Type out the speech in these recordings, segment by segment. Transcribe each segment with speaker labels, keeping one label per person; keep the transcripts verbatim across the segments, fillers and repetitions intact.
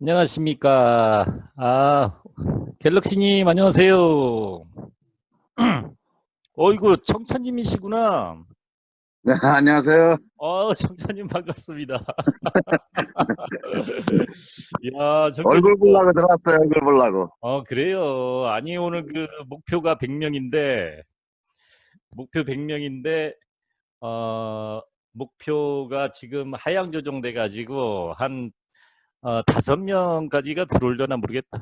Speaker 1: 안녕하십니까. 아, 갤럭시님, 안녕하세요. 어이구, 청천님이시구나.
Speaker 2: 네, 안녕하세요.
Speaker 1: 어, 청천님 반갑습니다. 야, 청천님,
Speaker 2: 얼굴
Speaker 1: 뭐,
Speaker 2: 보려고 들어왔어요, 얼굴 보려고.
Speaker 1: 어, 그래요. 아니, 오늘 그 목표가 백 명인데, 목표 백 명인데, 어, 목표가 지금 하향 조정돼가지고, 한, 어, 다섯 명까지가 들어오려나 모르겠다.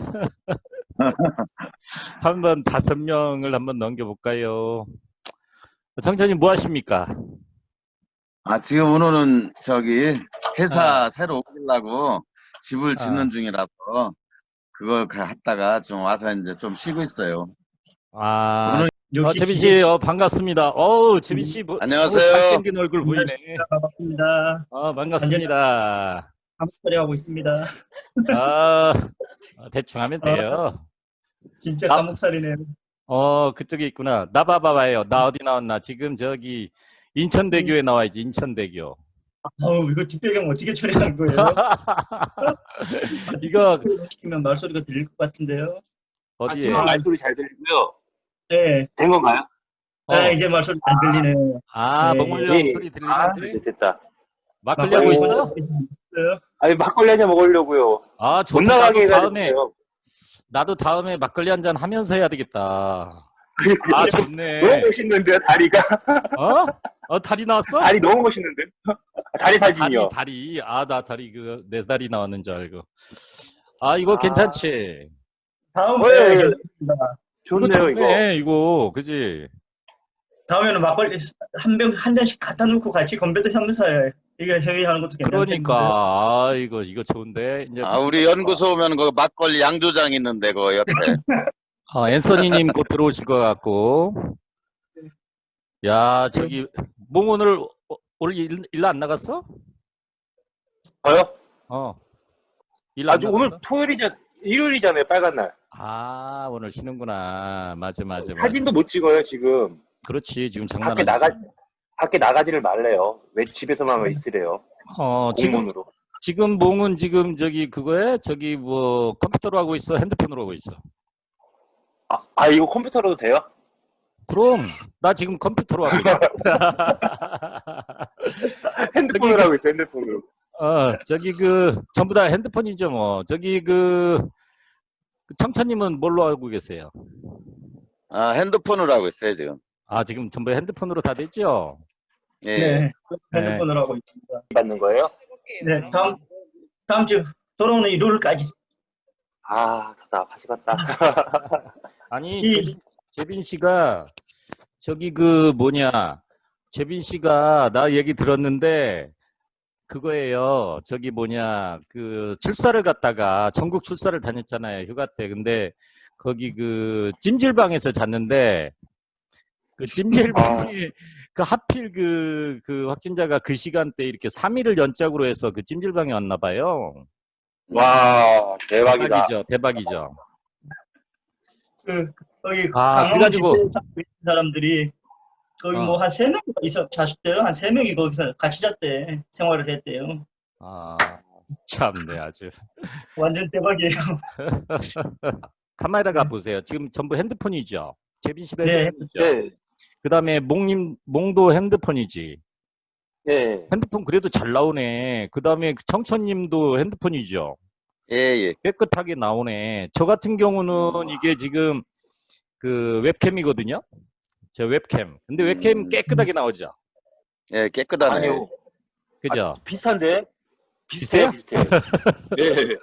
Speaker 1: 한번 다섯 명을 한번 넘겨볼까요? 청천님 뭐 하십니까?
Speaker 2: 아, 지금 오늘은 저기
Speaker 1: 아,
Speaker 2: 회사 새로 옮기려고 집을
Speaker 1: 아,
Speaker 2: 짓는 중이라서 그걸 갔다가 좀 와서 이제 좀 쉬고 있어요.
Speaker 1: 아,
Speaker 2: 오늘
Speaker 1: 어,
Speaker 3: 역시
Speaker 1: 재빈 씨,
Speaker 3: 기계치.
Speaker 1: 어, 반갑습니다. 어우, 재빈 씨, 뭐, 어우,
Speaker 2: 안녕하세요.
Speaker 1: 잘생긴 얼굴 보이네.
Speaker 3: 반갑습니다. 반갑습니다.
Speaker 1: 어,
Speaker 3: 완전히
Speaker 1: 반갑습니다.
Speaker 3: 감사리 하고 있습니다.
Speaker 1: 아, 어, 대충 하면
Speaker 3: 아,
Speaker 1: 돼요.
Speaker 3: 진짜
Speaker 1: 나,
Speaker 3: 감옥살이네요.
Speaker 1: 어, 그쪽에 있구나. 나 봐봐봐요. 나 어디 나왔나? 지금 저기 인천대교에 나와야지, 인천대교.
Speaker 3: 아우, 이거 뒷배경 어떻게 처리하는 거예요?
Speaker 1: 이거,
Speaker 3: 시키면 말소리가 들릴 것 같은데요.
Speaker 4: 아, 지금
Speaker 1: 어디에?
Speaker 4: 말소리 잘 들리고요.
Speaker 3: 네,
Speaker 4: 된 건가요?
Speaker 3: 아,
Speaker 1: 어,
Speaker 3: 이제 말소리 잘 들리네요.
Speaker 1: 아,
Speaker 3: 네, 예.
Speaker 1: 먹으려고
Speaker 4: 예.
Speaker 1: 소리
Speaker 4: 아,
Speaker 1: 들리는데?
Speaker 4: 이제 됐다.
Speaker 1: 막걸리 하고
Speaker 3: 막걸리
Speaker 1: 있어?
Speaker 3: 있어요?
Speaker 4: 아니, 막걸리 한잔 먹으려고요.
Speaker 1: 아,
Speaker 4: 못
Speaker 1: 좋다.
Speaker 4: 나가게
Speaker 1: 나도 다음에,
Speaker 4: 해가지고요.
Speaker 1: 나도 다음에 막걸리 한 잔 하면서 해야 되겠다. 아,
Speaker 4: 너무
Speaker 1: 좋네.
Speaker 4: 멋있는데요, 다리가.
Speaker 1: 어? 어, 다리 나왔어?
Speaker 4: 다리 너무 멋있는데요. 다리
Speaker 1: 다리,
Speaker 4: 사진이요.
Speaker 1: 다리. 아, 나 다리, 그, 내 다리 나왔는 줄 알고. 아, 이거
Speaker 4: 아.
Speaker 1: 괜찮지?
Speaker 3: 다음에
Speaker 4: 어, 예, 예.
Speaker 3: 괜찮습니다.
Speaker 1: 이거
Speaker 4: 좋네요, 이거.
Speaker 1: 좋네, 이거. 그지?
Speaker 3: 다음에는 막걸리 한 병, 한 잔씩 갖다 놓고 같이 건배도 하면서 이게 회의하는 것도 괜찮겠는데요.
Speaker 1: 그러니까, 아, 이거, 이거 좋은데. 이제,
Speaker 2: 아, 우리 연구소 오면 그 막걸리 양조장 있는데 그 옆에.
Speaker 1: 어, 앤서니님 곧 들어오실 것 같고. 야, 저기, 몽 오늘, 어, 오늘 일, 일 안 나갔어?
Speaker 4: 저요?
Speaker 1: 어. 일 안
Speaker 4: 아주
Speaker 1: 나갔어?
Speaker 4: 오늘 토요일이자, 일요일이잖아요, 빨간 날.
Speaker 1: 아, 오늘 쉬는구나. 맞아, 맞아, 맞아.
Speaker 4: 사진도 못 찍어요, 지금.
Speaker 1: 그렇지, 지금 장난
Speaker 4: 밖에
Speaker 1: 아니지.
Speaker 4: 나가, 밖에 나가지를 말래요. 왜 집에서만 있으래요.
Speaker 1: 어, 지금,
Speaker 4: 공문으로.
Speaker 1: 지금 몽은 지금 저기 그거에 저기 뭐 컴퓨터로 하고 있어, 핸드폰으로 하고 있어.
Speaker 4: 아, 아, 이거 컴퓨터로도 돼요?
Speaker 1: 그럼 나 지금 컴퓨터로 하고 있어.
Speaker 4: 핸드폰으로
Speaker 1: 저기 그-
Speaker 4: 하고 있어요, 핸드폰으로.
Speaker 1: 어, 저기 그 전부 다 핸드폰이죠, 뭐. 저기 그, 그 청천님은 뭘로 하고 계세요?
Speaker 2: 아, 핸드폰으로 하고 있어요, 지금.
Speaker 1: 아, 지금 전부 핸드폰으로 다 됐죠?
Speaker 2: 예.
Speaker 3: 네, 핸드폰으로 하고 있습니다.
Speaker 4: 받는 거예요?
Speaker 3: 네, 다음 다음 주 돌아오는 일요일까지.
Speaker 4: 아, 답답하시겠다.
Speaker 1: 아니,
Speaker 3: 이-
Speaker 1: 재빈, 재빈 씨가 저기 그 뭐냐, 재빈 씨가 나 얘기 들었는데 그거예요. 저기 뭐냐, 그 출사를 갔다가 전국 출사를 다녔잖아요, 휴가 때. 근데 거기 그 찜질방에서 잤는데 그 찜질방에 그 하필 그, 그 확진자가 그 시간대 이렇게 삼 일을 연짝으로 해서 그 찜질방에 왔나 봐요.
Speaker 4: 와, 대박이다.
Speaker 1: 대박이죠, 대박이죠.
Speaker 3: 그 거기
Speaker 1: 아,
Speaker 3: 강원
Speaker 1: 그래가지고-
Speaker 3: 집회에 참고 있는 사람들이 거기
Speaker 1: 어.
Speaker 3: 뭐 한 세 명이 있어 자셨대요. 한 세 명이 거기서 같이 잤대. 생활을 했대요.
Speaker 1: 아, 참네, 아주.
Speaker 3: 완전 대박이에요.
Speaker 1: 카메라가 보세요. 지금 전부 핸드폰이죠. 재빈 씨도
Speaker 3: 네.
Speaker 1: 핸드폰이죠.
Speaker 4: 네,
Speaker 1: 그 다음에 몽님, 몽도 핸드폰이지.
Speaker 4: 네.
Speaker 1: 핸드폰 그래도 잘 나오네. 그 다음에 청천님도 핸드폰이죠.
Speaker 2: 예, 예.
Speaker 1: 깨끗하게 나오네. 저 같은 경우는 이게 지금 그 웹캠이거든요. 저 웹캠. 근데 웹캠
Speaker 2: 음.
Speaker 1: 깨끗하게 나오죠.
Speaker 2: 예, 깨끗하네.
Speaker 4: 아니요.
Speaker 1: 그죠?
Speaker 4: 아, 비슷한데? 비슷해요, 비슷해요. 네.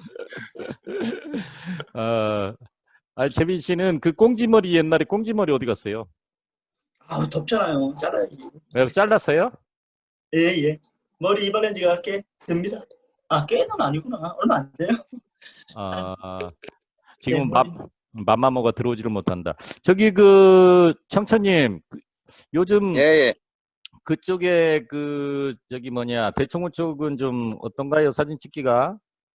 Speaker 1: 어, 아, 재빈 씨는 그 꽁지머리 옛날에 꽁지머리 어디 갔어요?
Speaker 3: 아우 덥잖아요. 잘라야지.
Speaker 1: 왜 잘랐어요?
Speaker 3: 예, 예. 머리 이발한 지가 꽤 됩니다. 아, 꽤는 아니구나. 얼마 안 돼요.
Speaker 1: 아, 지금
Speaker 3: 네,
Speaker 1: 맘,
Speaker 3: 머리.
Speaker 1: 맘마모가 들어오지를 못한다. 저기 그 청천님, 그 요즘
Speaker 2: 예, 예.
Speaker 1: 그쪽에 그 저기 뭐냐 대청호 쪽은 좀 어떤가요? 사진 찍기가?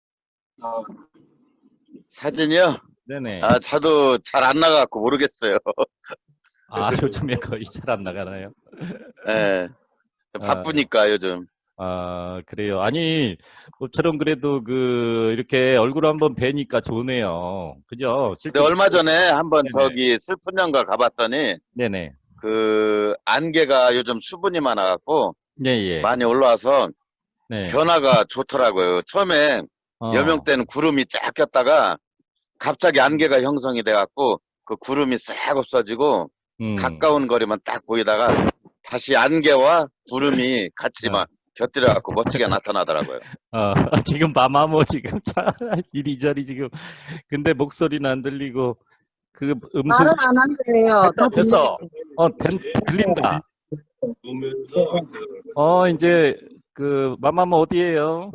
Speaker 2: 사진이요?
Speaker 1: 네네.
Speaker 2: 아, 저도 잘 안 나가고 모르겠어요.
Speaker 1: 아, 요즘에 거의 잘 안 나가나요?
Speaker 2: 예. 바쁘니까 요즘.
Speaker 1: 아, 그래요. 아니, 모처럼 그래도 그, 이렇게 얼굴 한번 뵈니까 좋네요. 그죠?
Speaker 2: 근데
Speaker 1: 실제.
Speaker 2: 얼마 전에 한번
Speaker 1: 네네.
Speaker 2: 저기 슬픈 연가 가봤더니
Speaker 1: 네네.
Speaker 2: 그 안개가 요즘 수분이 많아갖고
Speaker 1: 네, 예.
Speaker 2: 많이 올라와서
Speaker 1: 네.
Speaker 2: 변화가 좋더라고요. 처음에
Speaker 1: 어.
Speaker 2: 여명 때는 구름이 쫙 꼈다가 갑자기 안개가 형성이 돼갖고 그 구름이 싹 없어지고
Speaker 1: 음.
Speaker 2: 가까운 거리만 딱 보이다가 다시 안개와 구름이 같이
Speaker 1: 어.
Speaker 2: 막 곁들여갖고 멋지게 나타나더라고요.
Speaker 1: 어, 지금 마마모 지금 차 이리저리 지금 근데 목소리는 안 들리고 그 음성
Speaker 5: 말은 안 한대요. 다
Speaker 1: 됐어.
Speaker 5: 들리는데.
Speaker 1: 어, 된, 들린다. 어, 이제 그 마마모 어디예요?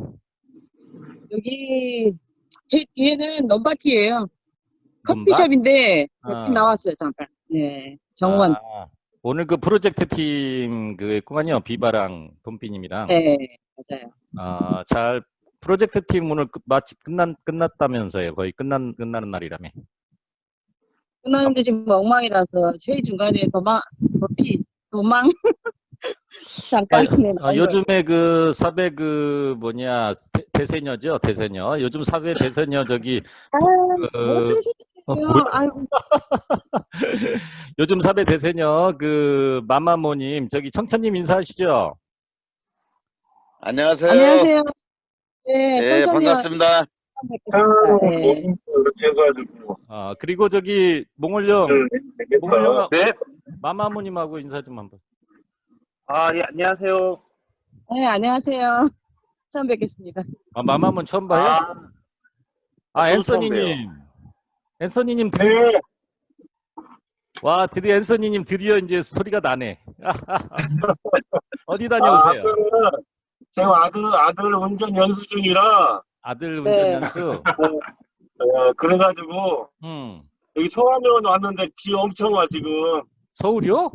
Speaker 5: 여기 제 뒤에는 넘바티예요.
Speaker 1: 넘바?
Speaker 5: 커피숍인데
Speaker 1: 아.
Speaker 5: 여기 나왔어요 잠깐. 네, 정원.
Speaker 1: 아, 오늘 그 프로젝트 팀 그 했구만요. 비바랑 봄비님이랑.
Speaker 5: 네, 맞아요.
Speaker 1: 아, 잘 프로젝트 팀 오늘 끝- 마치 끝난 끝났다면서요. 거의 끝난 끝나는 날이라며.
Speaker 5: 끝나는데 지금 엉망이라서 회의 중간에 도망, 도피, 도망. 잠깐. 네,
Speaker 1: 아, 요즘에 그 사배 그 뭐냐 대, 대세녀죠 대세녀. 요즘 사배 대세녀 저기
Speaker 5: 아,
Speaker 1: 그 어,
Speaker 5: 어떠시죠?
Speaker 1: 뭐야?
Speaker 5: 아이고,
Speaker 1: 요즘 사배 대세녀 그 마마모님 저기 청천님 인사하시죠.
Speaker 2: 안녕하세요.
Speaker 5: 안녕하세요. 네,
Speaker 2: 네,
Speaker 5: 천천히
Speaker 2: 반갑습니다.
Speaker 5: 네.
Speaker 1: 아 그리고 저기 몽골령 몽골령
Speaker 4: 네.
Speaker 1: 마마모님하고 인사 좀 한번.
Speaker 4: 아, 예, 안녕하세요.
Speaker 5: 네, 안녕하세요. 처음 뵙겠습니다.
Speaker 1: 아 마마몬 처음 봐요?
Speaker 4: 아,
Speaker 1: 아
Speaker 4: 저도 처음
Speaker 1: 앤서니님 앤서니님 드디어
Speaker 4: 네.
Speaker 1: 와 드디어 앤서니님 드디어 이제 소리가 나네. 어디 다녀오세요?
Speaker 6: 아, 그, 제가 아들, 아들 운전 연수 중이라,
Speaker 1: 아들
Speaker 5: 네.
Speaker 1: 운전 연수.
Speaker 6: 어, 그래가지고,
Speaker 1: 음
Speaker 6: 여기 소화면 왔는데 비 엄청 와, 지금.
Speaker 1: 서울이요?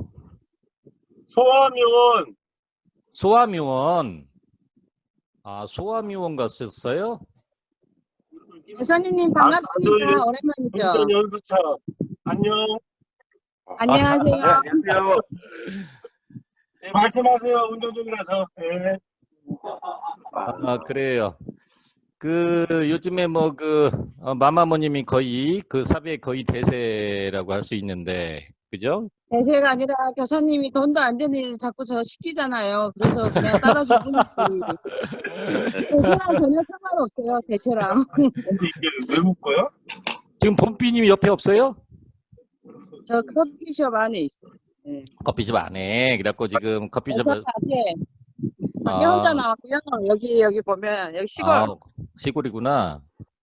Speaker 6: 소화면,
Speaker 1: 소아미원. 아, 소아미원 갔었어요?
Speaker 5: 예선이님
Speaker 6: 아,
Speaker 5: 반갑습니다.
Speaker 6: 아들
Speaker 5: 오랜만이죠.
Speaker 6: 운전 연수차. 안녕.
Speaker 5: 안녕하세요.
Speaker 4: 네, 안녕하세요.
Speaker 6: 네, 말씀하세요. 운전 중이라서. 네.
Speaker 1: 아, 그래요. 그, 요즘에 뭐, 그, 어, 마마모님이 거의, 그 사배 거의 대세라고 할 수 있는데, 그죠?
Speaker 5: 대세가 아니라 교사님이 돈도 안 되는 일 자꾸 저 시키잖아요. 그래서 그냥 따라줄 뿐이지. 대세랑 전혀 상관없어요. 대세랑.
Speaker 6: 근데 이게 외국 거야?
Speaker 1: 지금 봄비님이 옆에 없어요?
Speaker 5: 저 커피숍 안에 있어요. 네.
Speaker 1: 커피숍 안에. 그래갖고 지금 커피숍,
Speaker 5: 저 밖에 밖에
Speaker 1: 아,
Speaker 5: 혼자 나왔고요. 여기 여기 보면 여기 시골
Speaker 1: 아, 시골이구나.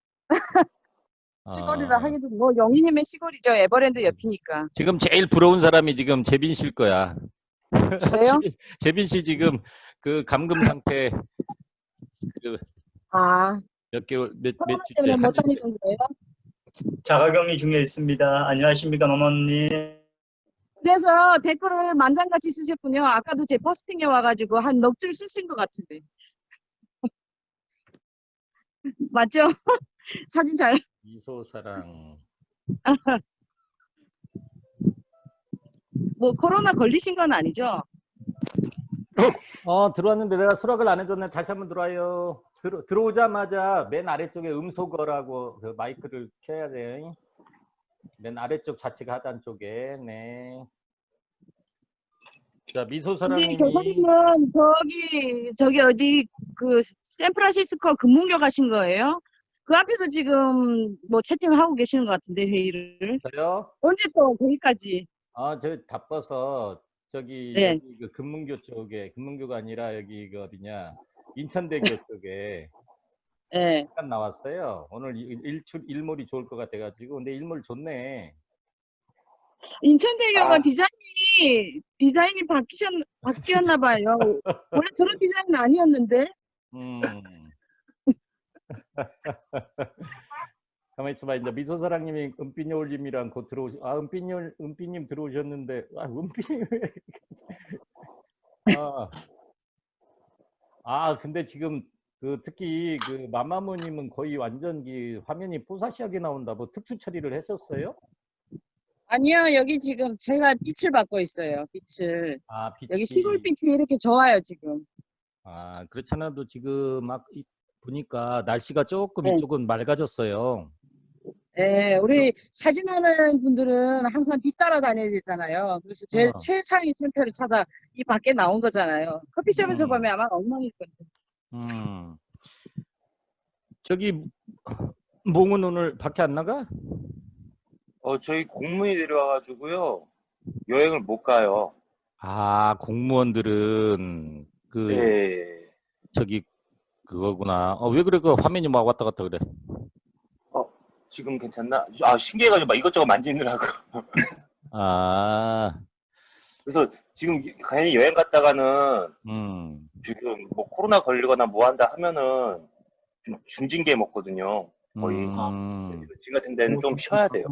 Speaker 5: 시골이라
Speaker 1: 아,
Speaker 5: 하기도 뭐 영희님의 시골이죠. 에버랜드 옆이니까.
Speaker 1: 지금 제일 부러운 사람이 지금 재빈 씨일 거야.
Speaker 5: 그래요?
Speaker 1: 재빈, 재빈 씨 지금 그 감금 상태 그
Speaker 5: 아,
Speaker 1: 몇 개월 몇 몇
Speaker 5: 코로나
Speaker 1: 주째
Speaker 5: 때문에
Speaker 1: 한
Speaker 5: 못
Speaker 1: 주째.
Speaker 5: 다니는 거예요?
Speaker 3: 자가격리 중에 있습니다. 안녕하십니까, 마마님.
Speaker 5: 그래서 댓글을 만장같이 쓰셨군요. 아까도 제 포스팅에 와가지고 한 넉 줄 쓰신 것 같은데. 맞죠? 사진 잘.
Speaker 1: 이소사랑.
Speaker 5: 뭐 코로나 걸리신 건 아니죠?
Speaker 1: 어 들어왔는데 내가 수락을 안 해줬네. 다시 한번 들어와요. 들어 들어오자마자 맨 아래쪽에 음소거라고 그 마이크를 켜야 돼. 맨 아래쪽 좌측 하단 쪽에. 네. 자
Speaker 5: 근데
Speaker 1: 미소사랑님이
Speaker 5: 교사님은 저기 저기 어디 그 샌프란시스코 금문교 가신 거예요? 그 앞에서 지금 뭐 채팅을 하고 계시는 것 같은데 회의를
Speaker 1: 저요?
Speaker 5: 언제 또 거기까지?
Speaker 1: 아, 저 바빠서 저기
Speaker 5: 네.
Speaker 1: 여기 그 금문교 쪽에 금문교가 아니라 여기 그 어디냐 인천대교 쪽에
Speaker 5: 네.
Speaker 1: 잠깐 나왔어요. 오늘 일- 일출 일몰이 좋을 것 같아가지고 근데 일몰 좋네.
Speaker 5: 인천대교가
Speaker 4: 아.
Speaker 5: 디자인이 디자인이 바뀌셨 바뀌었나 봐요. 원래 저런 디자인은 아니었는데.
Speaker 1: 음. 가만히 있어봐. 이제 미소사랑님이 은빛 여울님이랑 곧 들어오시. 아 은빛 여울 은빛님 들어오셨는데 아 은빛님. 아. 아 근데 지금 그 특히 그 마마무님은 거의 완전 그 화면이 뽀사시하게 나온다. 뭐 특수 처리를 했었어요?
Speaker 5: 아니요, 여기 지금 제가 빛을 받고 있어요. 빛을.
Speaker 1: 아 빛이.
Speaker 5: 여기 시골빛이 이렇게 좋아요, 지금.
Speaker 1: 아, 그렇잖아도 지금 막 이- 보니까 날씨가 조금
Speaker 5: 네.
Speaker 1: 이쪽은 맑아졌어요.
Speaker 5: 예, 우리 사진하는 분들은 항상 뒤 따라 다녀야 되잖아요. 그래서 제
Speaker 1: 어.
Speaker 5: 최상위 상태를 찾아 이 밖에 나온 거잖아요. 커피숍에서
Speaker 1: 음.
Speaker 5: 보면 아마 엉망일 거예요.
Speaker 1: 음. 저기 몽은 오늘 밖에 안 나가?
Speaker 4: 어, 저희 공무원이 내려와가지고요. 여행을 못 가요.
Speaker 1: 아, 공무원들은 그
Speaker 4: 예.
Speaker 1: 저기 그거구나. 어, 왜 그래? 그 화면이 막 왔다 갔다 그래.
Speaker 4: 어, 지금 괜찮나? 아, 신기해가지고 막 이것저것 만지느라고.
Speaker 1: 아,
Speaker 4: 그래서 지금 당연히 여행 갔다가는
Speaker 1: 음,
Speaker 4: 지금 뭐 코로나 걸리거나 뭐 한다 하면은 좀 중징계 먹거든요. 거의.
Speaker 1: 음,
Speaker 4: 지금 같은 데는 좀 쉬어야 돼요.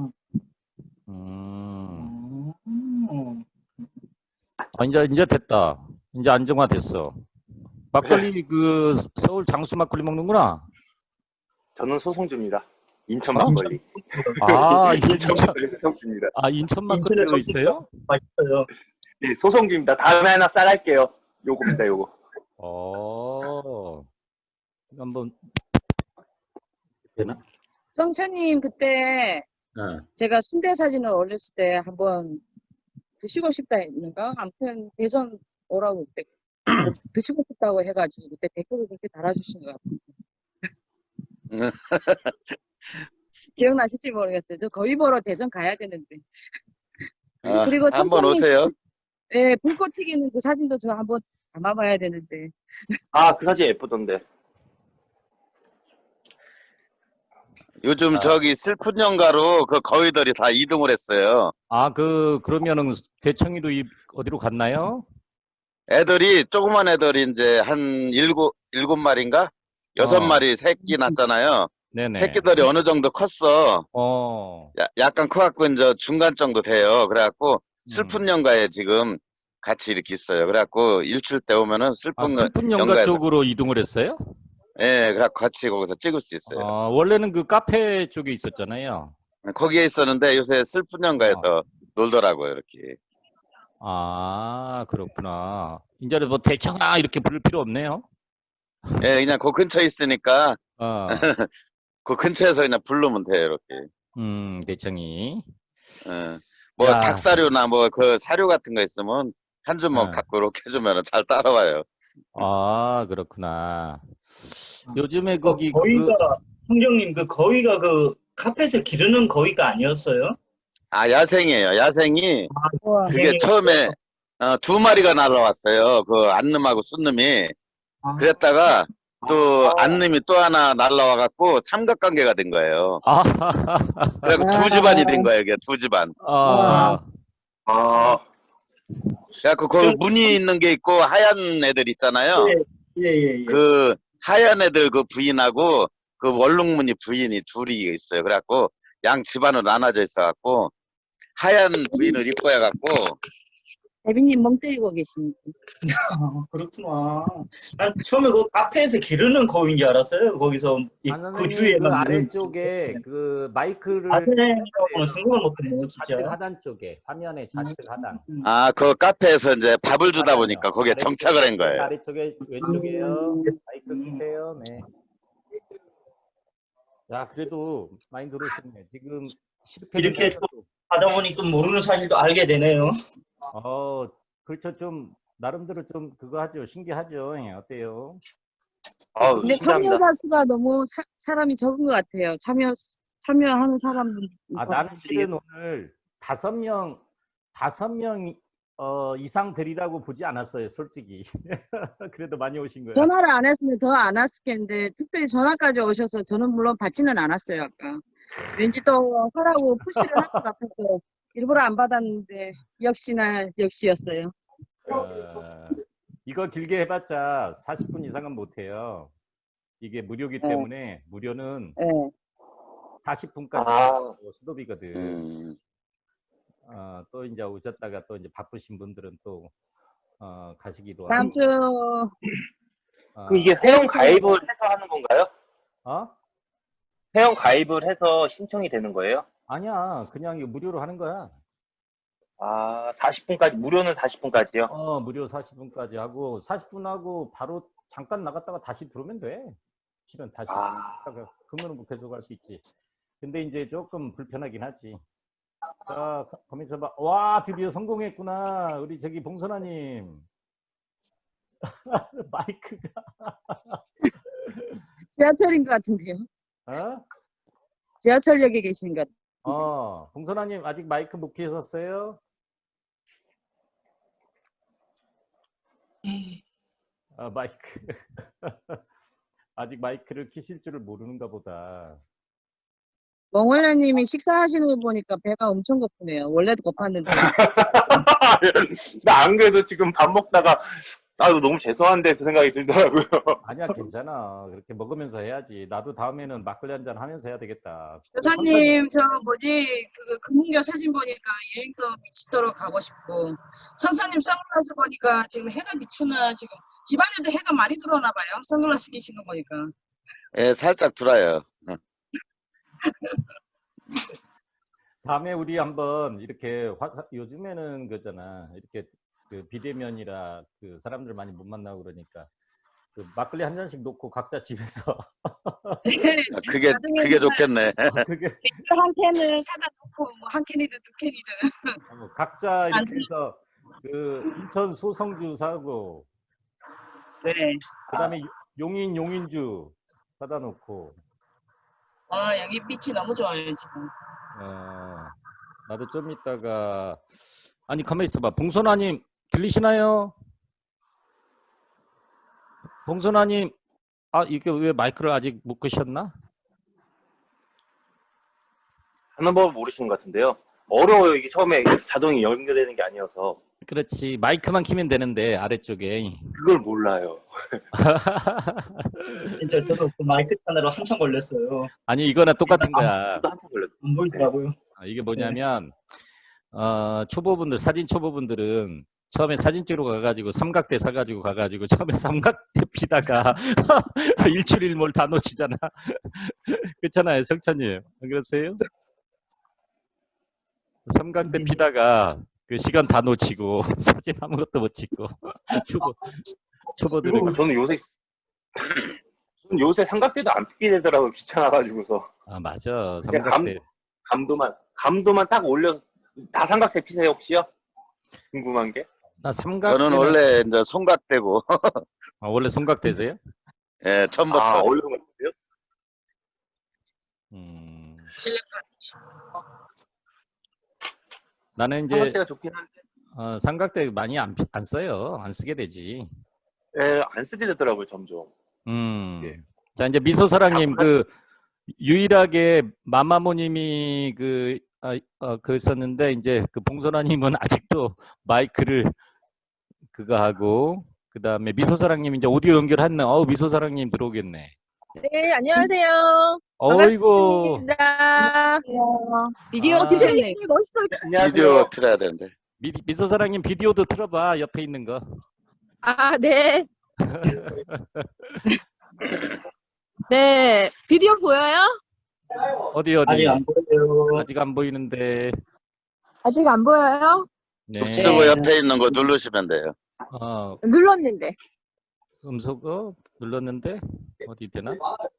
Speaker 1: 음.
Speaker 3: 음.
Speaker 1: 아, 이제 이제 됐다. 이제 안정화됐어. 막걸리 그 서울 장수 막걸리 먹는구나.
Speaker 4: 저는 소송주입니다. 인천
Speaker 1: 어?
Speaker 4: 막걸리.
Speaker 1: 아,
Speaker 4: 인천
Speaker 1: 인천,
Speaker 4: 막걸리 소송주입니다.
Speaker 1: 아, 인천
Speaker 3: 인천에
Speaker 1: 막걸리로
Speaker 3: 커피가
Speaker 1: 있어요?
Speaker 3: 맛있어요.
Speaker 4: 네, 소송주입니다. 다음에 하나 쌀할게요. 요겁니다, 요거.
Speaker 1: 어, 한번 되나?
Speaker 5: 정천님 그때
Speaker 1: 네.
Speaker 5: 제가 순대 사진을 올렸을 때 한번 드시고 싶다 했는가? 아무튼 대선 오라고 그때 드시고 싶다고 해가지고 그때 댓글을 그렇게 달아주신 것 같습니다. 기억나실지 모르겠어요. 저 거의 보러 대전 가야 되는데.
Speaker 2: 아,
Speaker 5: 그리고
Speaker 2: 한번
Speaker 5: 성천님,
Speaker 2: 오세요.
Speaker 5: 예, 불꽃 튀기는 그 사진도 저 한번 담아봐야 되는데.
Speaker 4: 아, 그 사진 예쁘던데.
Speaker 2: 요즘
Speaker 1: 아.
Speaker 2: 저기 슬픈 연가로 그 거위들이 다 이동을 했어요.
Speaker 1: 아, 그 그러면은 대청이도 이, 어디로 갔나요?
Speaker 2: 애들이 조그만 애들이 이제 한 일곱 일곱 마리인가 여섯
Speaker 1: 어.
Speaker 2: 마리 새끼 낳잖아요.
Speaker 1: 네네.
Speaker 2: 새끼들이 어느 정도 컸어.
Speaker 1: 어.
Speaker 2: 야- 약간 커갖고 이제 중간 정도 돼요. 그래갖고 슬픈
Speaker 1: 음.
Speaker 2: 연가에 지금 같이 이렇게 있어요. 그래갖고 일출 때 오면은
Speaker 1: 아,
Speaker 2: 슬픈
Speaker 1: 슬픈 연가
Speaker 2: 연가에서
Speaker 1: 쪽으로 이동을 했어요?
Speaker 2: 예, 그래갖고 같이 거기서 찍을 수 있어요.
Speaker 1: 어, 원래는 그 카페 쪽에 있었잖아요.
Speaker 2: 거기에 있었는데 요새 슬픈 연가에서 놀더라고요. 이렇게.
Speaker 1: 아, 그렇구나. 이제는 뭐 대청아 이렇게 부를 필요 없네요.
Speaker 2: 예, 그냥 그 근처에 있으니까
Speaker 1: 어.
Speaker 2: 그 근처에서 그냥 부르면 돼요. 이렇게.
Speaker 1: 음, 대청이.
Speaker 2: 예. 뭐
Speaker 1: 야.
Speaker 2: 닭사료나 뭐 그 사료 같은 거 있으면 한 주먹
Speaker 1: 어.
Speaker 2: 갖고 이렇게 해주면 잘 따라와요.
Speaker 1: 아, 그렇구나. 요즘에 거기
Speaker 3: 그 거위가,
Speaker 1: 그
Speaker 3: 형경님, 그 거위가 그 카페에서 기르는 거위가 아니었어요?
Speaker 2: 아, 야생이에요. 야생이
Speaker 5: 우와.
Speaker 2: 그게
Speaker 3: 야생이었어요?
Speaker 2: 처음에 어, 두 마리가 날라왔어요. 그 안놈하고 순놈이.
Speaker 3: 아,
Speaker 2: 그랬다가 또
Speaker 4: 아.
Speaker 2: 안놈이 또 하나 날라와갖고 삼각관계가 된 거예요.
Speaker 1: 아,
Speaker 2: 그래갖고 두 집안이 된 거예요. 이게 두 집안.
Speaker 1: 아,
Speaker 4: 아,
Speaker 2: 그래갖고 그 무늬 있는 게 있고 하얀 애들 있잖아요.
Speaker 3: 예, 예, 예.
Speaker 2: 그 하얀 애들 그 부인하고 그 원룸무늬 부인이 둘이 있어요. 그래갖고 양 집안으로 나눠져 있어갖고 하얀 부인을 이뻐해갖고
Speaker 5: 대빈님 멍 때리고 계십니다.
Speaker 3: 아, 그렇구나. 난 처음에 그 카페에서 기르는 거위인 줄 알았어요. 거기서 이,
Speaker 1: 아,
Speaker 3: 그
Speaker 1: 선생님, 그
Speaker 3: 주위에만.
Speaker 1: 아래쪽에 그 마이크를
Speaker 3: 아세라고는 생각을 못했네요,
Speaker 1: 좌측
Speaker 3: 진짜.
Speaker 1: 하단 쪽에 화면의 좌측 하단.
Speaker 3: 음.
Speaker 2: 아 그 카페에서 이제 밥을 주다
Speaker 1: 맞아요.
Speaker 2: 보니까 거기에
Speaker 1: 아래쪽에,
Speaker 2: 정착을 한 거예요.
Speaker 1: 아래쪽에 왼쪽이에요.
Speaker 3: 음.
Speaker 1: 마이크 끄세요. 네. 야, 그래도 많이 들어오셨네. 지금 실패
Speaker 3: 이렇게 또 하다 보니 또 모르는 사실도 알게 되네요.
Speaker 1: 어, 그렇죠. 좀 나름대로 좀 그거 하죠. 신기하죠. 예, 어때요?
Speaker 4: 아우,
Speaker 5: 근데
Speaker 4: 신기합니다.
Speaker 5: 참여자 수가 너무 사, 사람이 적은 것 같아요. 참여, 참여하는 사람들.
Speaker 1: 아, 나는 실은 오늘 다섯 명, 다섯 명 어, 이상 되리라고 보지 않았어요, 솔직히. 그래도 많이 오신 거예요.
Speaker 5: 전화를 안 했으면 더 안 왔겠는데, 특별히 전화까지 오셔서 저는 물론 받지는 않았어요, 아까. 왠지 또 하라고 푸시를 할 것 같아서 일부러 안 받았는데, 역시나 역시였어요.
Speaker 1: 어, 이거 길게 해봤자 사십 분 이상은 못해요. 이게 무료기
Speaker 5: 네.
Speaker 1: 때문에 무료는
Speaker 5: 예.
Speaker 1: 사십 분까지
Speaker 4: 아.
Speaker 1: 수도비거든.
Speaker 2: 음,
Speaker 1: 어, 또 이제 오셨다가 또 이제 바쁘신 분들은 또 어, 가시기도
Speaker 5: 다음
Speaker 1: 하고.
Speaker 5: 주,
Speaker 1: 어,
Speaker 4: 그 이게 회원 가입을 해서 하는 건가요?
Speaker 1: 어?
Speaker 4: 회원 가입을 해서 신청이 되는 거예요?
Speaker 1: 아니야, 그냥 이거 무료로 하는 거야.
Speaker 4: 아, 사십 분까지, 무료는 사십 분까지요?
Speaker 1: 어, 무료 사십 분까지 하고 사십 분 하고 바로 잠깐 나갔다가 다시 들어오면 돼. 실은 다시
Speaker 4: 아.
Speaker 1: 그러면 뭐 계속 할 수 있지. 근데 이제 조금 불편하긴 하지. 자, 가면서 봐. 와, 드디어 성공했구나. 우리 저기 봉선아님. 마이크가.
Speaker 5: 지하철인 것 같은데요.
Speaker 1: 어?
Speaker 5: 지하철역에 계신 것.
Speaker 1: 어, 봉선아님 아직 마이크 못 켜셨어요? 아, 마이크. 아직 마이크를 켜실 줄을 모르는가 보다.
Speaker 5: 멍월라님이 식사하시는 거 보니까 배가 엄청 고프네요. 원래도 고팠는데.
Speaker 4: 나 안 그래도 지금 밥 먹다가 아 이거 너무 죄송한데 그 생각이 들더라고요.
Speaker 1: 아니야, 괜찮아. 그렇게 먹으면서 해야지. 나도 다음에는 막걸리 한잔 하면서 해야 되겠다.
Speaker 5: 여사님, 저 뭐지, 그 금문교 사진 보니까 여행도 미치도록 가고 싶고, 선사님 선글라스 보니까 지금 해가 비추나, 지금 집안에도 해가 많이 들어오나 봐요. 선글라스 끼신 거 보니까.
Speaker 2: 예, 살짝 들어요.
Speaker 1: 다음에 우리 한번 이렇게 화, 요즘에는 그잖아. 이렇게 그 비대면이라 그 사람들 많이 못 만나고 그러니까 그 막걸리 한 잔씩 놓고 각자 집에서
Speaker 2: 아, 그게
Speaker 5: 나중에는
Speaker 2: 그게 좋겠네.
Speaker 1: 어, 그게
Speaker 5: 맥주 한 캔을 사다 놓고, 뭐 한 캔이든 두 캔이든.
Speaker 1: 어, 각자
Speaker 5: 안
Speaker 1: 이렇게 해서 그 인천 소성주 사고
Speaker 5: 네.
Speaker 1: 그다음에 용인 용인주 사다 놓고
Speaker 5: 아, 여기 빛이 너무 좋아요, 지금.
Speaker 1: 어, 나도 좀 이따가 아니 가만히 있어봐. 봉선아님 들리시나요? 봉선아님 아 이게 왜 마이크를 아직 못 끄셨나?
Speaker 4: 하는 법을 모르시는 것 같은데요. 어려워요. 이게 처음에 자동이 연결되는 게 아니어서
Speaker 1: 그렇지 마이크만 키면 되는데 아래쪽에
Speaker 4: 그걸 몰라요.
Speaker 3: 진짜 저도 그 마이크 하느라 한참 걸렸어요.
Speaker 1: 아니 이거나 똑같은 거야.
Speaker 4: 저도 한참 걸렸어요.
Speaker 3: 안 보이더라고요.
Speaker 1: 아, 이게 뭐냐면 어, 초보분들 사진 초보분들은 처음에 사진 찍으러 가가지고 삼각대 사가지고 가가지고 처음에 삼각대 피다가 일출일몰 다 놓치잖아. 그렇잖아요, 성찬님. 안 그러세요? 삼각대 피다가 그 시간 다 놓치고 사진 아무것도 못 찍고 초보 초보들은
Speaker 4: 그리고 저는 요새 저는 요새 삼각대도 안 피게 되더라고요. 귀찮아가지고서.
Speaker 1: 아 맞아
Speaker 4: 그냥 감,
Speaker 1: 삼각대
Speaker 4: 감도만 감도만 딱 올려서 다 삼각대 피세요 혹시요? 궁금한 게.
Speaker 1: 나 삼각대
Speaker 2: 저는 원래 이제 송각대고
Speaker 1: 아, 원래 삼각대세요?
Speaker 2: 예, 처음부터.
Speaker 4: 아 어려운 것 같아요?
Speaker 1: 음.
Speaker 5: 실력
Speaker 1: 나는 이제
Speaker 4: 삼각대가 좋긴 한데
Speaker 1: 어, 삼각대 많이 안, 피- 안 써요. 안 쓰게 되지.
Speaker 4: 예, 안 쓰게 되더라고요 점점.
Speaker 1: 음.
Speaker 4: 예.
Speaker 1: 자 이제 미소사랑님 그 유일하게 마마모님이 그 아, 어, 그 썼는데 이제 그 봉선아님은 아직도 마이크를 그거 하고 그 다음에 미소사랑님 이제 오디오 연결했네. 어우 미소사랑님 들어오겠네.
Speaker 7: 네, 안녕하세요.
Speaker 1: 어이구
Speaker 7: 반갑습니다.
Speaker 5: 비디오
Speaker 1: 아.
Speaker 5: 켜셨네.
Speaker 7: 멋있어요.
Speaker 4: 안녕하세요.
Speaker 2: 비디오 틀어야 되는데.
Speaker 1: 미, 미소사랑님 비디오도 틀어봐 옆에 있는 거.
Speaker 7: 아, 네. 네, 비디오 보여요?
Speaker 1: 어디 어디
Speaker 3: 아직 안 보여요.
Speaker 1: 아직 안 보이는데.
Speaker 7: 아직 안 보여요?
Speaker 1: 네.
Speaker 2: 쓰고 옆에 있는 거 누르시면 돼요.
Speaker 1: 어
Speaker 7: 눌렀는데.
Speaker 1: 음소거 눌렀는데 어디 되나?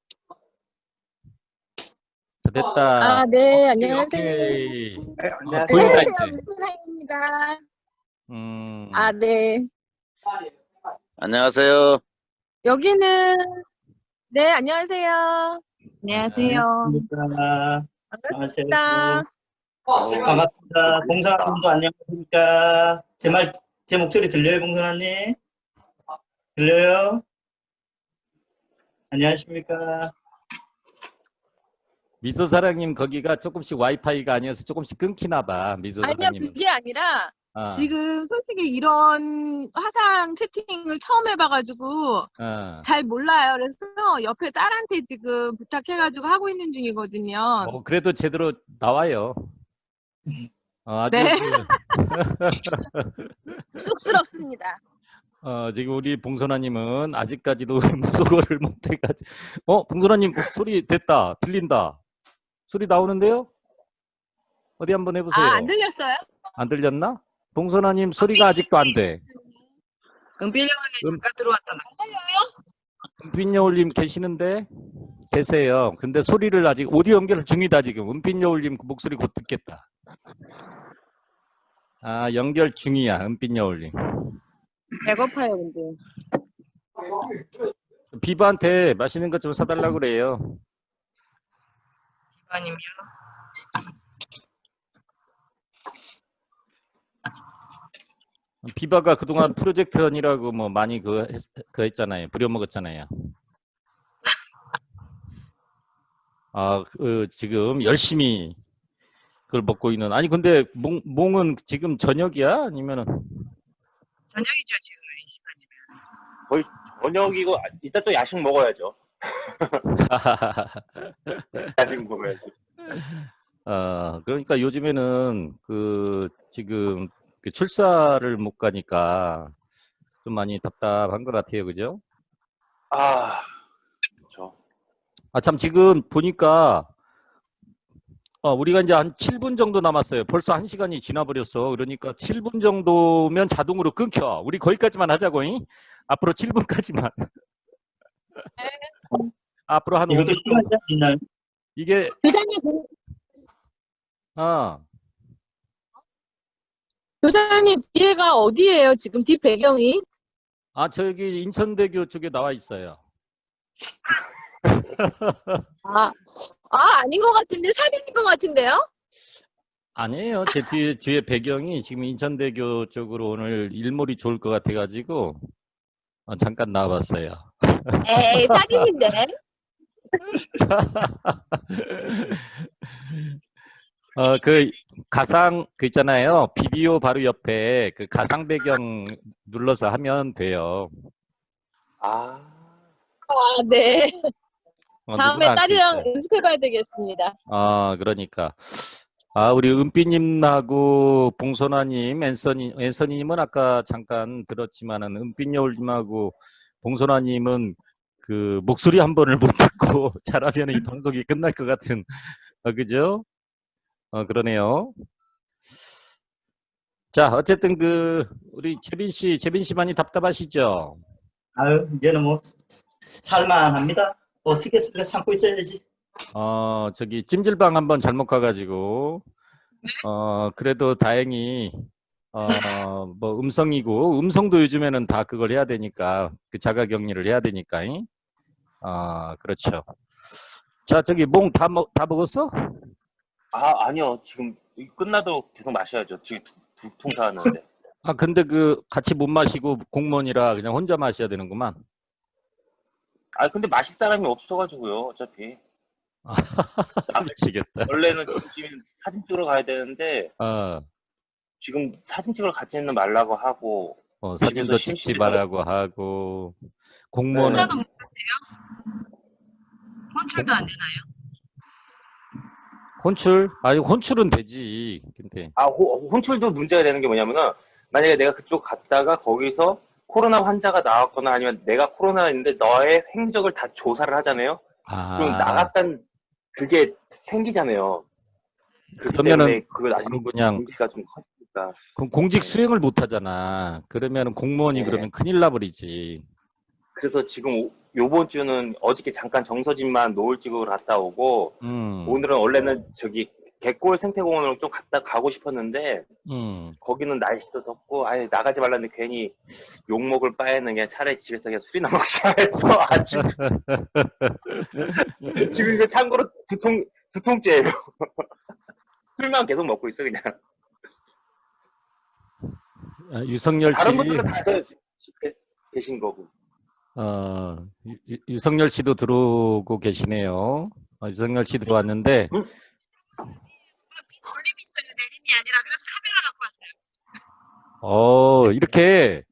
Speaker 1: 자, 됐다.
Speaker 7: 아, 네, 안녕하세요.
Speaker 1: 오케이.
Speaker 4: 네,
Speaker 1: 아,
Speaker 4: 안녕하세요.
Speaker 1: 보인다
Speaker 7: 안녕하세요,
Speaker 1: 이제.
Speaker 7: 문선아입니다.
Speaker 1: 음.
Speaker 7: 아, 네.
Speaker 2: 안녕하세요.
Speaker 7: 여기는 네, 안녕하세요.
Speaker 5: 안녕하세요.
Speaker 3: 반갑습니다.
Speaker 7: 반갑습니다.
Speaker 3: 반갑습니다. 봉사님도 안녕하십니까? 제 말, 제 목소리 들려요, 봉사님? 들려요? 안녕하십니까?
Speaker 1: 미소사랑님 거기가 조금씩 와이파이가 아니어서 조금씩 끊기나 봐.
Speaker 7: 아니요,
Speaker 1: 미소사랑님은.
Speaker 7: 그게 아니라
Speaker 1: 어,
Speaker 7: 지금 솔직히 이런 화상 채팅을 처음 해봐가지고
Speaker 1: 어.
Speaker 7: 잘 몰라요. 그래서 옆에 딸한테 지금 부탁해가지고 하고 있는 중이거든요.
Speaker 1: 어, 그래도 제대로 나와요. 어, 아주
Speaker 7: 네.
Speaker 1: 그,
Speaker 7: 쑥스럽습니다.
Speaker 1: 어, 지금 우리 봉선아님은 아직까지도 무소거를 못해가지고. 어, 봉선아님 소리 됐다. 들린다. 소리 나오는데요? 어디 한번 해보세요.
Speaker 7: 아, 안 들렸어요?
Speaker 1: 안 들렸나? 봉선아님 소리가 아직도 안 돼.
Speaker 5: 은필영원에
Speaker 1: 음.
Speaker 5: 잠깐 들어왔다.
Speaker 7: 안 들려요?
Speaker 1: 은빛여울님 계시는데? 계세요. 근데 소리를 아직 오디오 연결 중이다 지금. 은빛여울님 그 목소리 곧 듣겠다. 아 연결 중이야 은빛여울님.
Speaker 5: 배고파요, 근데.
Speaker 1: 비바한테 맛있는 것 좀 사달라고 그래요.
Speaker 8: 기관님이요.
Speaker 1: 비바가 그동안 프로젝트 언이라고 뭐 많이 그, 했, 그 했잖아요. 부려먹었잖아요. 아, 그 지금 열심히 그걸 먹고 있는. 아니 근데 몽, 몽은 지금 저녁이야? 아니면은
Speaker 8: 저녁이죠 지금 이 시간이면.
Speaker 4: 거의 저녁이고 아, 이따 또 야식 먹어야죠. 야식 먹어야지.
Speaker 1: 어, 그러니까 요즘에는 그 지금 그 출사를 못 가니까 좀 많이 답답한 것 같아요. 그죠?
Speaker 4: 아, 그렇죠.
Speaker 1: 아, 참 지금 보니까 어, 우리가 이제 한 칠 분 정도 남았어요. 벌써 한 시간이 지나버렸어. 그러니까 칠 분 정도면 자동으로 끊겨. 우리 거기까지만 하자고. 잉? 앞으로 칠 분까지만. 앞으로 한 오 분
Speaker 3: 이것도 시간
Speaker 1: 정도.
Speaker 3: 제한 있나요?
Speaker 1: 이게
Speaker 7: 교사님, 그-
Speaker 1: 아,
Speaker 7: 교사님 뒤에가 어디예요? 지금 뒷 배경이?
Speaker 1: 아 저기 인천대교 쪽에 나와 있어요.
Speaker 7: 아, 아 아닌 것 같은데 사진인 것 같은데요?
Speaker 1: 아니에요. 제 뒤에, 뒤에 배경이 지금 인천대교 쪽으로 오늘 일몰이 좋을 것 같아가지고 어, 잠깐 나와봤어요.
Speaker 7: 에이 사진인데.
Speaker 1: 어, 그 가상 그 있잖아요. 비디오 바로 옆에 그 가상 배경 눌러서 하면 돼요.
Speaker 4: 아,
Speaker 7: 아 네.
Speaker 1: 어,
Speaker 7: 다음에
Speaker 1: 누구나 할수
Speaker 7: 딸이랑
Speaker 1: 있어요.
Speaker 7: 연습해봐야 되겠습니다.
Speaker 1: 아, 그러니까. 아, 우리 은비님하고 봉선아님, 앤서니, 앤서니님은 아까 잠깐 들었지만은 은빛여울님하고 봉선아님은 그 목소리 한 번을 못 듣고 잘하면 이 방송이 끝날 것 같은, 어, 그죠? 어, 그러네요. 자, 어쨌든 그 우리 재빈 씨, 재빈 씨 많이 답답하시죠?
Speaker 3: 아유, 이제는 뭐 살만합니다. 어떻게 했습니까? 참고 있어야지.
Speaker 1: 어, 저기 찜질방 한번 잘못 가가지고 어, 그래도 다행히 어, 뭐 음성이고 음성도 요즘에는 다 그걸 해야 되니까 그 자가격리를 해야 되니까. 잉? 어, 그렇죠. 자, 저기 몽 다 먹, 다 먹었어?
Speaker 4: 아 아니요. 지금 이 끝나도 계속 마셔야죠. 지금 두, 두 통 사왔는데.
Speaker 1: 아, 근데 그 같이 못 마시고 공무원이라 그냥 혼자 마셔야 되는구만.
Speaker 4: 아 근데 마실 사람이 없어가지고요. 어차피.
Speaker 1: 아,
Speaker 4: 아,
Speaker 1: 미치겠다.
Speaker 4: 원래는 지금 사진 찍으러 가야 되는데
Speaker 1: 어,
Speaker 4: 지금 사진 찍으러 가지는 말라고 하고
Speaker 1: 어,
Speaker 4: 집에서
Speaker 1: 사진도 찍지
Speaker 4: 심심해서
Speaker 1: 말라고 하고 공무원은
Speaker 4: 네.
Speaker 8: 혼자도 못 하세요? 혼출도 안 되나요?
Speaker 1: 혼출? 아니 혼출은 되지. 근데
Speaker 4: 아 호, 혼출도 문제가 되는 게 뭐냐면은 만약에 내가 그쪽 갔다가 거기서 코로나 환자가 나왔거나 아니면 내가 코로나인데 너의 행적을 다 조사를 하잖아요. 그럼
Speaker 1: 아,
Speaker 4: 나갔단 그게 생기잖아요. 그렇기
Speaker 1: 그러면은
Speaker 4: 때문에 그거 나중에
Speaker 1: 바로 그냥
Speaker 4: 문제가 좀 커지니까.
Speaker 1: 그럼 공직
Speaker 4: 네.
Speaker 1: 수행을 못 하잖아. 그러면은 공무원이
Speaker 4: 네.
Speaker 1: 그러면 큰일 나버리지.
Speaker 4: 그래서 지금 오- 요번 주는 어저께 잠깐 정서진만 노을 찍으러 갔다 오고
Speaker 1: 음,
Speaker 4: 오늘은 원래는 저기 갯골 생태공원으로 좀 갔다 가고 싶었는데
Speaker 1: 음.
Speaker 4: 거기는 날씨도 덥고 아예 나가지 말라는데 괜히 욕먹을 바에는 그냥 차라리 집에서 그냥 술이나 먹자 해서 아침 지금 이거 참고로 두 통 두 통째예요. 술만 계속 먹고 있어 그냥.
Speaker 1: 아, 유성열 씨,
Speaker 4: 다른 분들은 다 계- 계신 거고.
Speaker 1: 어, 유, 유- 유성열 씨도 들어오고 계시네요. 어, 유성열 씨 들어왔는데,
Speaker 4: 응?
Speaker 8: 돌림이 있어요. 내림이 아니라 그래서 카메라 갖고 왔어요.
Speaker 1: 어, 이렇게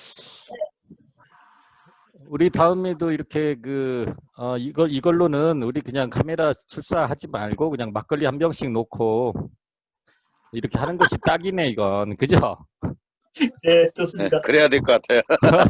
Speaker 1: 우리 다음에도 이렇게 그, 어, 이걸, 이걸로는 우리 그냥 카메라 출사하지 말고 그냥 막걸리 한 병씩 놓고 이렇게 하는 것이 딱이네, 이건. 그죠?
Speaker 3: 네,
Speaker 2: 네,
Speaker 3: 좋습니다.
Speaker 2: 그래야 될 것 같아요.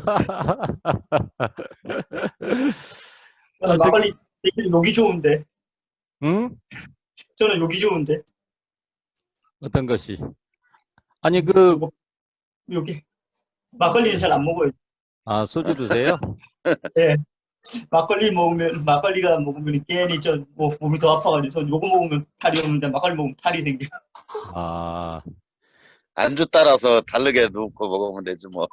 Speaker 1: 아,
Speaker 3: 저는
Speaker 1: 저기-
Speaker 3: 막걸리 욕이 좋은데.
Speaker 1: 응?
Speaker 3: 저는 욕이 좋은데.
Speaker 1: 어떤 것이? 아니, 그,
Speaker 3: 요거, 여기 막걸리는 잘 안 먹어요.
Speaker 1: 아, 소주 드세요?
Speaker 3: 네. 막걸리 먹으면 막걸리가 먹으면 괜히 저 뭐 몸이 더 아파가지고 요거 먹으면 탈이 오는데 막걸리 먹으면 탈이 생겨.
Speaker 1: 아,
Speaker 2: 안주 따라서 다르게 넣고 먹으면 되지 뭐.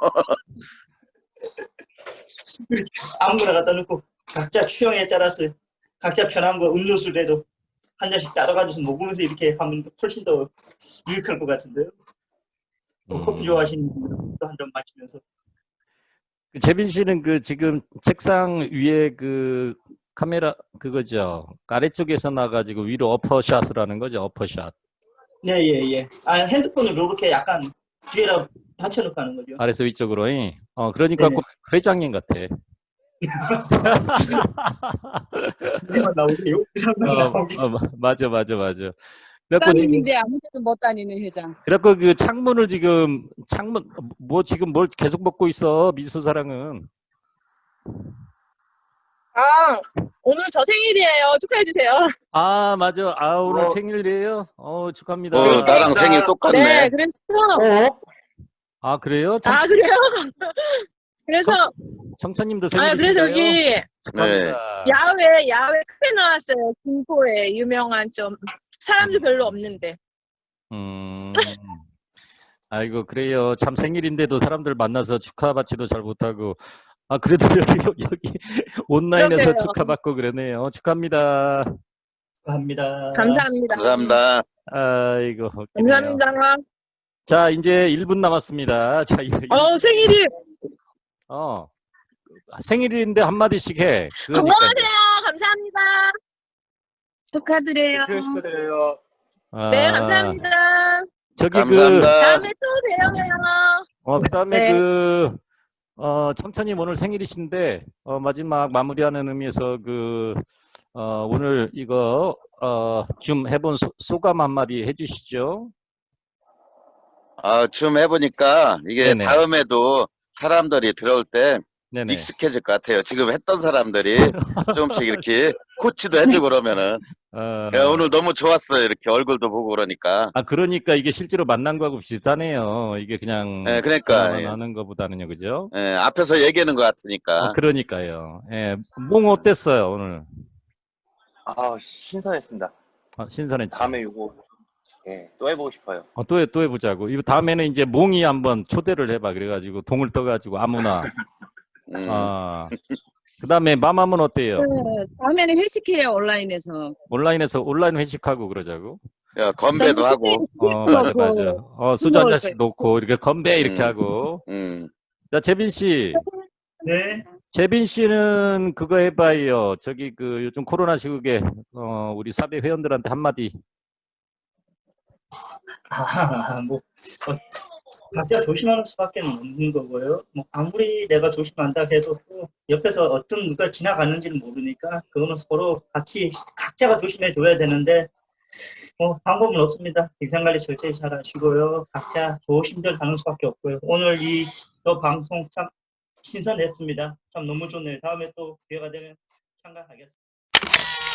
Speaker 3: 아무거나 갖다 놓고 각자 취향에 따라서 각자 편한 거 음료수라도 한 잔씩 따라가지고 먹으면서 이렇게 하면 훨씬 더 유익할 것 같은데요. 또
Speaker 1: 음.
Speaker 3: 커피 좋아하시는 분들은 또 한 잔 마시면서.
Speaker 1: 그 재빈 씨는 그 지금 책상 위에 그 카메라 그거죠. 아래쪽에서 나가지고 위로 어퍼샷을 하는 거죠. 어퍼샷.
Speaker 3: 네, 예, 예. 아, 핸드폰을 이렇게 약간 뒤에다 받쳐놓고 하는 거죠.
Speaker 1: 아래서 위쪽으로. 잉? 어, 그러니까
Speaker 3: 네네.
Speaker 1: 꼭 회장님 같아.
Speaker 3: 여기만 나오게요. 그 사람만
Speaker 1: 어,
Speaker 3: 나오게.
Speaker 1: 어, 마- 맞아, 맞아, 맞아. 그래갖고 지금,
Speaker 5: 회장님인데 아무 데도 못 다니는 회장.
Speaker 1: 그래갖고 그 창문을 지금 창문 뭐 지금 뭘 계속 먹고 있어 미소사랑은.
Speaker 7: 아, 오늘 저 생일이에요. 축하해주세요.
Speaker 1: 아, 맞아. 아, 오늘
Speaker 4: 어.
Speaker 1: 생일이에요? 어, 축하합니다.
Speaker 2: 어, 나랑
Speaker 3: 나-
Speaker 2: 생일 똑같네.
Speaker 7: 네, 그래서,
Speaker 4: 어?
Speaker 1: 아, 그래요? 청,
Speaker 7: 아, 그래요? 그래서,
Speaker 1: 청천님도
Speaker 7: 아, 그래서
Speaker 1: 생일이신가요?
Speaker 7: 여기
Speaker 1: 축하합니다.
Speaker 7: 야외, 야외 카페 나왔어요. 김포에 유명한 좀, 사람도 별로 없는데.
Speaker 1: 음. 아이고, 그래요. 참 생일인데도 사람들 만나서 축하받지도 잘 못하고. 아, 그래도 여기, 여기 온라인에서
Speaker 7: 그러게요.
Speaker 1: 축하받고 그러네요. 축하합니다.
Speaker 3: 합니다.
Speaker 7: 감사합니다.
Speaker 2: 감사합니다.
Speaker 1: 아이고, 웃기네요.
Speaker 7: 감사합니다.
Speaker 1: 자, 이제 일 분 남았습니다. 자, 이제
Speaker 7: 어, 생일이
Speaker 1: 어. 생일인데 한마디씩 해. 그러니까
Speaker 7: 건강하세요. 감사합니다.
Speaker 5: 축하드려요.
Speaker 4: 생일 축하드려요.
Speaker 1: 아,
Speaker 7: 네, 감사합니다.
Speaker 1: 저기 그,
Speaker 2: 감사합니다.
Speaker 7: 다음에 또 봬요.
Speaker 1: 어, 그 다음에
Speaker 5: 네.
Speaker 1: 그, 어, 청천님 오늘 생일이신데, 어, 마지막 마무리하는 의미에서 그, 어, 오늘 이거, 어, 좀 해본 소, 소감 한마디 해주시죠.
Speaker 2: 아, 좀 해보니까 이게
Speaker 1: 네네.
Speaker 2: 다음에도 사람들이 들어올 때
Speaker 1: 네네.
Speaker 2: 익숙해질 것 같아요. 지금 했던 사람들이 조금씩 이렇게 코치도 해주고 그러면은
Speaker 1: 어,
Speaker 2: 야, 오늘 너무 좋았어요. 이렇게 얼굴도 보고 그러니까.
Speaker 1: 아, 그러니까 이게 실제로 만난 거하고 비슷하네요. 이게 그냥,
Speaker 2: 예, 그러니까,
Speaker 1: 전화만
Speaker 2: 예.
Speaker 1: 하는 것보다는요, 그죠?
Speaker 2: 예, 앞에서 얘기하는 것 같으니까.
Speaker 1: 어, 그러니까요. 예, 몽 어땠어요, 오늘?
Speaker 4: 아, 신선했습니다.
Speaker 1: 어, 신선했지?
Speaker 4: 다음에 이거 예, 또 해보고 싶어요.
Speaker 1: 어, 또, 해, 또 해보자고. 이거 다음에는 이제 몽이 한번 초대를 해봐. 그래가지고 동을 떠가지고 아무나.
Speaker 2: 음.
Speaker 1: 아, 그 다음에 맘함은 어때요?
Speaker 5: 네, 다음에는 회식해요, 온라인에서.
Speaker 1: 온라인에서 온라인 회식하고 그러자고.
Speaker 2: 야, 건배도 하고.
Speaker 1: 어, 맞아, 맞아. 어, 수저 한 잔씩 놓고 이렇게 건배 이렇게
Speaker 2: 음.
Speaker 1: 하고.
Speaker 2: 음.
Speaker 1: 자, 재빈 씨.
Speaker 3: 네.
Speaker 1: 재빈 씨는 그거 해봐요. 저기 그 요즘 코로나 시국에 어, 우리 사배 회원들한테 한마디.
Speaker 3: 아, 뭐, 어, 각자 조심하는 수밖에 없는 거고요. 뭐, 아무리 내가 조심한다 해도 또 옆에서 어떤 누가 지나가는지는 모르니까 그거는 서로 같이 각자가 조심해 줘야 되는데, 뭐, 방법은 없습니다. 비상관리 철저히 잘 하시고요. 각자 조심들 하는 수밖에 없고요. 오늘 이, 저 방송 참 신선했습니다. 참 너무 좋네요. 다음에 또 기회가 되면 참가하겠습니다.